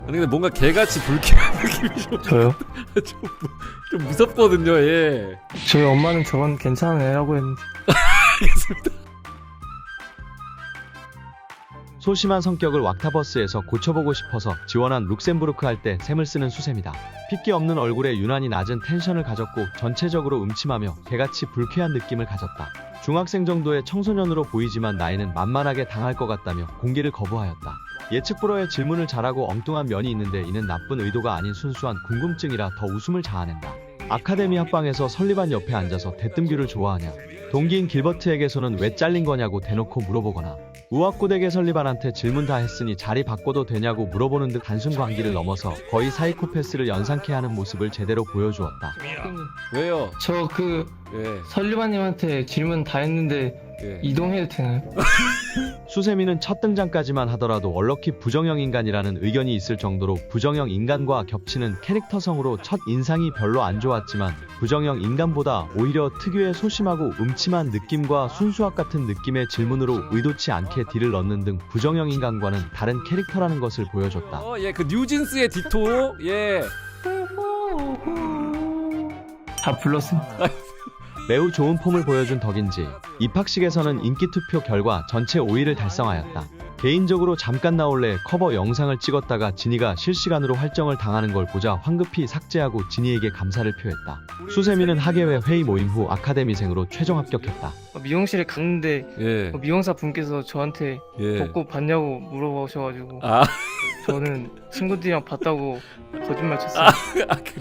아니 근데 뭔가 개같이 불쾌한 느낌이 저요? 좀 무섭거든요. 예. 저희 엄마는 저건 괜찮은 애라고 했는데. 소심한 성격을 왁타버스에서 고쳐보고 싶어서 지원한 룩셈부르크 할 때 샘을 쓰는 수셈이다. 핏기 없는 얼굴에 유난히 낮은 텐션을 가졌고 전체적으로 음침하며 개같이 불쾌한 느낌을 가졌다. 중학생 정도의 청소년으로 보이지만 나이는 만만하게 당할 것 같다며 공개를 거부하였다. 예측 불허의 질문을 잘하고 엉뚱한 면이 있는데 이는 나쁜 의도가 아닌 순수한 궁금증이라 더 웃음을 자아낸다. 아카데미 합방에서 설리반 옆에 앉아서 대뜸규를 좋아하냐, 동기인 길버트에게서는 왜 잘린 거냐고 대놓고 물어보거나, 우악고대계 설리반한테 질문 다 했으니 자리 바꿔도 되냐고 물어보는 듯 단순 관계를 넘어서 거의 사이코패스를 연상케 하는 모습을 제대로 보여주었다. 왜요? 저 예. 설리반님한테 질문 다 했는데 예. 이동해도 되나요? 수세미는 첫 등장까지만 하더라도 얼럭키 부정형 인간이라는 의견이 있을 정도로 부정형 인간과 겹치는 캐릭터성으로 첫 인상이 별로 안 좋았지만 부정형 인간보다 오히려 특유의 소심하고 음침한 느낌과 순수학 같은 느낌의 질문으로 의도치 않게 딜을 넣는 등 부정형 인간과는 다른 캐릭터라는 것을 보여줬다. 예, 그 뉴진스의 디토. 예. 다 불렀습니다. 매우 좋은 폼을 보여준 덕인지 입학식에서는 인기투표 결과 전체 5위를 달성하였다. 개인적으로 잠깐 나올래 커버 영상을 찍었다가 진이가 실시간으로 활정을 당하는 걸 보자 황급히 삭제하고 진이에게 감사를 표했다. 수세미는 학예회 회의 모임 후 아카데미생으로 최종 합격했다. 미용실에 갔는데 예. 미용사 분께서 저한테 예. 벚꽃 봤냐고 물어보셔가지고 아, 저는 친구들이랑 봤다고 거짓말 쳤어요. 아 그래.